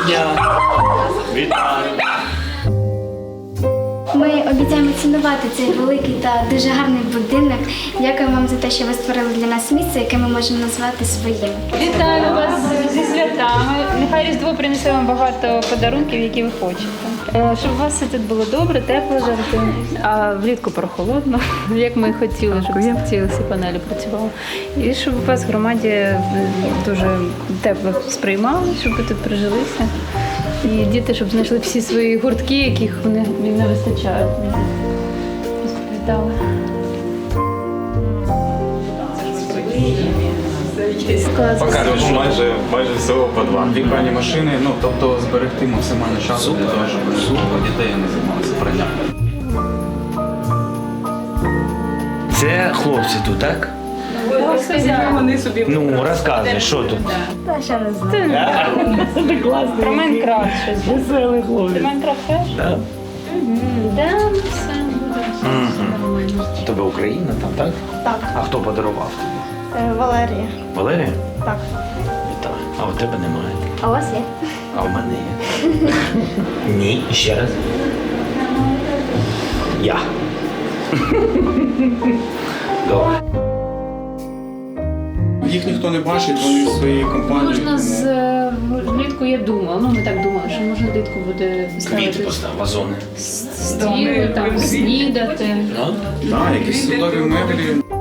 дня! Вітаю! Ми обіцяємо цінувати цей великий та дуже гарний будинок. Дякую вам за те, що ви створили для нас місце, яке ми можемо назвати своїм. Вітаю вас зі святами. Нехай Різдво принесе вам багато подарунків, які ви хочете. Щоб у вас все тут було добре, тепло завжди, а влітку прохолодно, як ми хотіли, щоб ці всі панелі працювали. І щоб у вас в громаді дуже тепло сприймали, щоб ви тут прижилися. І діти, щоб знайшли всі свої гуртки, яких вони не вистачає. Вітали. Покажеш, майже всього по два. Дві пральні машини, тобто зберегти максимально часу для того, щоб дітей не займалися пранням. Це хлопці тут, так? Ну, розказуй, що тут? Та ще не знаю. Це класно. Про Майнкрафт щось. Веселий хлопець. Майнкрафт теж? Так. Да, все буде. Тебе Україна там, так? Так. А хто подарував тобі? Валерія. Валерія? Так. Вітаю. А у тебе немає. А у вас є? А у мене є. Ні, ще раз. Я. Добре. Їх ніхто не бачить, вони в своїй компанії. Можна влітку, я думала, ми так думали, що можна влітку буде Квіти ставити постав, вазони. стіли, там, снідати. Ну? Так, якісь судові меблі.